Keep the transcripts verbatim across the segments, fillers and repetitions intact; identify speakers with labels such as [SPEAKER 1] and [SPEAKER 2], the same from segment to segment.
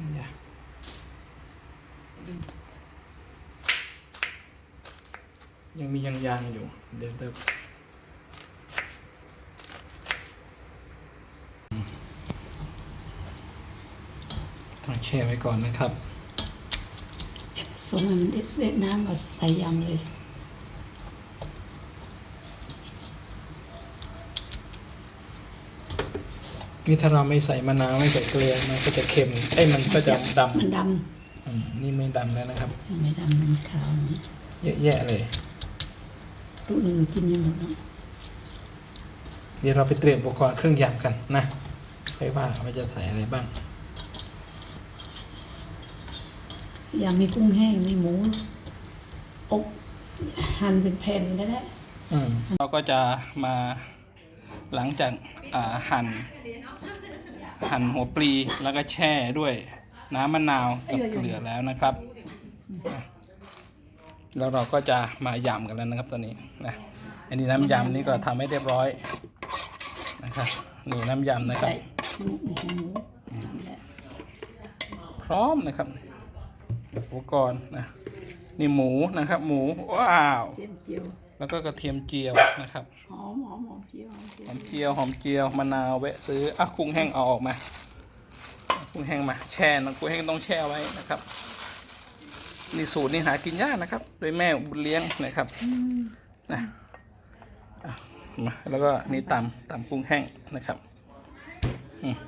[SPEAKER 1] อย่ายังมียางยางอยู่เดี๋ยวเติมต้องแช่ไว้ก่อนนะครับ
[SPEAKER 2] ส่งให้มันเด็ดเด็ดน้ำมาใส่ยำเลย
[SPEAKER 1] นี่ถ้าเราไม่ใส่มะนาวไม่ใส่เกลือมันก็จะเค็มไอ้มันก็จะดำ
[SPEAKER 2] มันด
[SPEAKER 1] ำอืมนี่ไม่ดำแล้วนะครับ
[SPEAKER 2] ำไม่ดำมันขาวนี่
[SPEAKER 1] เยอะแยะเลย
[SPEAKER 2] ลูกหนึ่งกินไม่หมดเนาะ
[SPEAKER 1] เดี๋ยวเราไปเตรียมอุปกรณ์เครื่องยำกันนะค่อยว่าว่าจะใส่อะไรบ้าง
[SPEAKER 2] ยำมีกุ้งแห้งมีหมูอบหั่นเป็นแผ่นก็ได้
[SPEAKER 1] อืมเราก็จะมาหลังจากอ่าหั่นหั่นหัวปลีแล้วก็แช่ด้วยน้ำมะนาวกับเกลือแล้วนะครับ แล้วเราก็จะมายำกันแล้วนะครับตอนนี้นะอันนี้น้ำยำนี่ก็ทำให้เรียบร้อยนะครับนี่น้ำยำนะครับ
[SPEAKER 2] ใส่หมูหมู
[SPEAKER 1] พร้อมนะครับอุปกรณ์นะนี่หมูนะครับ หมูว้าว
[SPEAKER 2] เจียวเจียว
[SPEAKER 1] แล้วก็กระเทียมเจียวนะครับ
[SPEAKER 2] หอมหอมหอมเจียว
[SPEAKER 1] หอมเจียวหอมเจียวมะนาวแวะซื้ออ่ะกุ้งแห้งเอาออกมากุ้งแห้งมาแช่นะกุ้งแห้งต้องแช่ไว้นะครับนี่สูตรนี่หากินยากนะครับโดยแม่บุญเลี้ยงนะครับนะอ่ะมาแล้วก็นี่ตำตำกุ้งแห้งนะครับอืม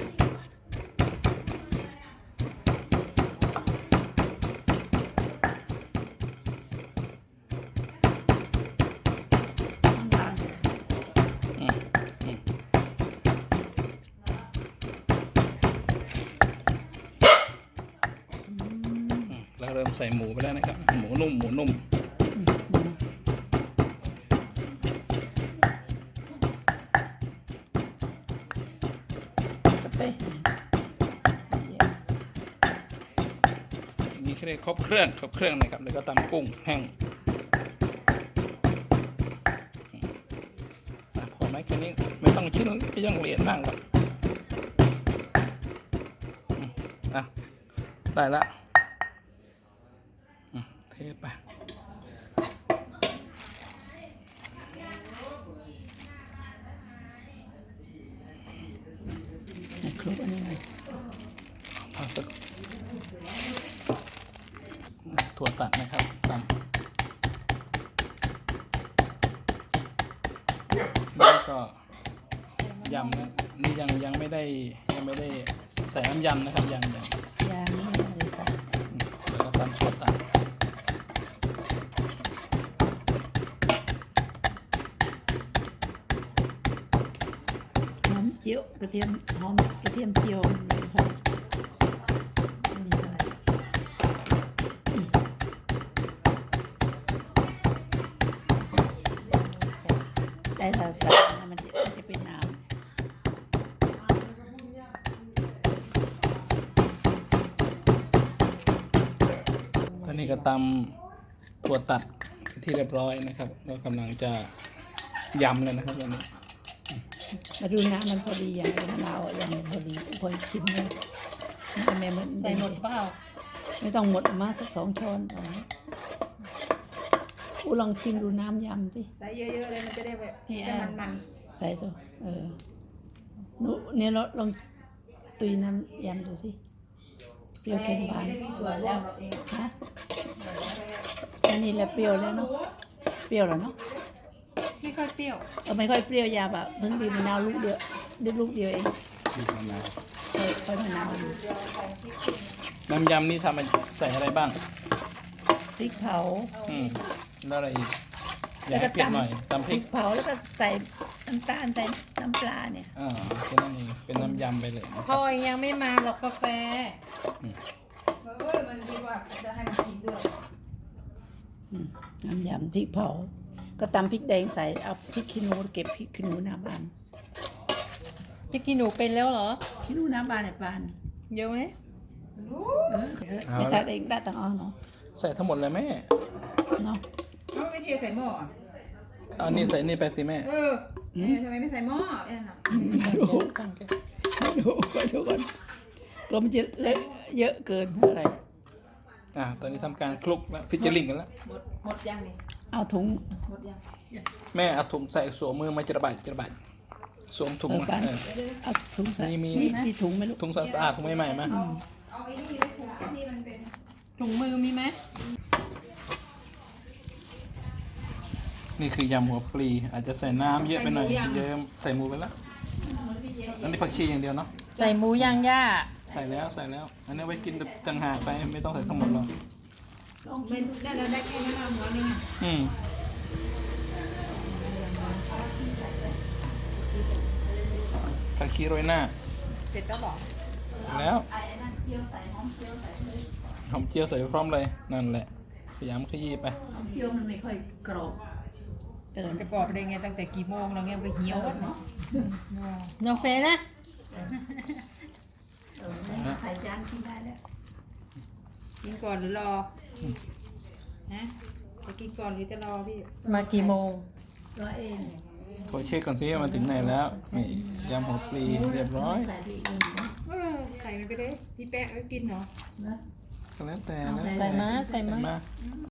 [SPEAKER 1] เราเริ่มใส่หมูไปแล้วนะครับหมูนุ่มหมูนุ่ม
[SPEAKER 2] กาแฟ
[SPEAKER 1] อย่างนี้เรียกครบเครื่องครบเครื่องนะครับแล้วก็ตำกุ้งแห้งอ่ะพอไหมแค่นี้ไม่ต้องชิ้นไม่ต้องละเอียดมากหรอกอืมอ่ะได้ละอืมเทไป
[SPEAKER 2] คลุกอันนี้เลย
[SPEAKER 1] เอาสักถั่วตัดนะครับตำแล้วก็ยำนะนี่ยังยังไม่ได้ยังไม่ได้ใส่น้ำยำนะครับยังยัง
[SPEAKER 2] ยางนี่เลยค่ะ
[SPEAKER 1] แล้วก็ตำถั่วตัด
[SPEAKER 2] หอมเจียวกระเทียมหอมกระเทียมเจียวเลยหอมอันนี้อะไรได้แล้วใส่มันจะมันจะเป็นน้ำ
[SPEAKER 1] ตอนนี้ก็ตำถั่วตัดที่เรียบร้อยนะครับก็กำลังจะยำเลยนะครับตอนนี้
[SPEAKER 2] มาดูน้ำมันพอดีอย่างมะนาวอย่างพอดีพอชิมเลยแม่มัน
[SPEAKER 3] ใส่หมดเปล่า
[SPEAKER 2] ไม่ต้องหมดมาสักสองช้อนก่อนอูลองชิมดูน้ำยำสิ
[SPEAKER 3] ใส่เยอะๆเลยมันจะได้แบบจะมัน
[SPEAKER 2] ใส่สิเออหนูเนี่ยเราลองตุยน้ำยำดูสิเปรี้ยวเค็มหวาน
[SPEAKER 3] สวยแล้วเอง
[SPEAKER 2] ฮะอันนี้แหละเปรี้ยวแล้วเนาะเปรี้ยวแล้วเนาะ
[SPEAKER 3] ไม่ค่อยเปรี้ยว
[SPEAKER 2] เออไม่ค่อยเปรี้ยวยาแบบเพิ่งบีบมะนาวลูกเดียวดึกลูกเดียวเอง
[SPEAKER 1] บีบมะนาว
[SPEAKER 2] ค่อยค่อยมะนาว
[SPEAKER 1] น้ำยำนี่ทำมันใส่อะไรบ้าง
[SPEAKER 2] พริกเผา
[SPEAKER 1] อืมแล้วอะไรอีกอยากให้เปรี้ยวหน่อยตำพ
[SPEAKER 2] พ
[SPEAKER 1] ริ
[SPEAKER 2] ริ
[SPEAKER 1] ก
[SPEAKER 2] กเผาแล้วก็ใส่น้ำตาลใส่น้ำปลาเนี่ย
[SPEAKER 1] อ่าแค่นั้นเองเป็นน้ำยำไปเลยนะค
[SPEAKER 3] พ
[SPEAKER 1] รับ
[SPEAKER 3] อยังไม่มาหรอกกาแฟ
[SPEAKER 4] เออมันดีกว่าจะให้มันกินด้วย
[SPEAKER 2] อืมน้ำยำพริกเผา ก็ตำพริกแดงใส่เอาพริกขี้หนูเก็บพริกขี้หนูหน้าบ้าน
[SPEAKER 3] พี่กินหนูเป็นแล้วเหรอ
[SPEAKER 2] ขี้หนูหน้าบ้านในบ้าน
[SPEAKER 3] เยอะไหม
[SPEAKER 2] เออเออไม่ทัดเองได้ตังอ้อเนาะ
[SPEAKER 1] ใส่ทั้งหมดเลยแม่
[SPEAKER 2] เนาะ
[SPEAKER 4] เอาไปเทใส่หม้ออ่ะ
[SPEAKER 1] เอานี่ใส่นี่ไปสิแม่
[SPEAKER 4] เออเออทำไมไม่ใส่หม้อเนี่ยนะ
[SPEAKER 2] ดูดูก่อนดูก่อนกลัวมันจะเลอะเยอะเกินอะไร
[SPEAKER 1] อ่าตอนนี้ทำการคลุกแล้วฟิชเจอริงกันแล้ว
[SPEAKER 4] หมดหมดยังนี่
[SPEAKER 2] เอาถุง
[SPEAKER 4] หมดยัง
[SPEAKER 1] แม่เอาถุงใส่สวมมือมาจะระบายจะระบายสวมถุง
[SPEAKER 2] เออ
[SPEAKER 1] มา
[SPEAKER 2] กัน
[SPEAKER 1] เออ
[SPEAKER 2] เอาถุงใส่
[SPEAKER 1] นี่มี
[SPEAKER 2] มีมีถุงไหมลูก
[SPEAKER 1] ถุงสะอาดถุงใหม่ๆมา
[SPEAKER 4] เอาไอ้นี่ไว้ผูกที่มันเป็น
[SPEAKER 3] ถุงมือมีไหม
[SPEAKER 1] นี่คือยำหัวปลีอาจจะใส่น้ำเยอะไปหน่อยเยอะใส่หมูไปแล้วอันนี้ผักชีอย่างเดียวเนาะ
[SPEAKER 3] ใส่หมูย่างย่า
[SPEAKER 1] ใส่แล้วใส่แล้ว อันนี้ไว้กินต่างหากไปไม่ต้องใส่ทั้งหมดหรอก
[SPEAKER 4] เป็นนั่นเราได้แค่นั้นเอาหัวนึงอ่ะ
[SPEAKER 1] อืมผักชีโรยหน้า
[SPEAKER 4] เสร็จแล้วบอก
[SPEAKER 1] แล้วหอมเจียวใส่ไปพร้อมเลยนั่นแหละพยายามขยี้ไป
[SPEAKER 2] เคี่ยวมันไม่ค่อยกรอบเออ
[SPEAKER 3] จะกรอบได้ไงตั้งแต่กี่โมงเราเงี้ยไปเหี่ยวเนาะน้องเฟยนะ
[SPEAKER 2] เออใส่จานกินได้แล้ว
[SPEAKER 4] กินก่อนหรือรอฮะจะกินก่อนหรือจะรอพี่
[SPEAKER 3] มากี่โมง
[SPEAKER 2] รอเอง
[SPEAKER 1] โทรเช็คก่อนสิว่ามันถึงไหนแล้วนี่ยำหัวปลีเรียบร้อย
[SPEAKER 2] ใส่ไปอีกนิดนึง
[SPEAKER 4] เออไข่มันไปเลยพี่แป๊ะก็กินเหรอ
[SPEAKER 2] นะ
[SPEAKER 1] ก็แล้วแต่แล้ว
[SPEAKER 3] ใส่มาใส่มา
[SPEAKER 1] มา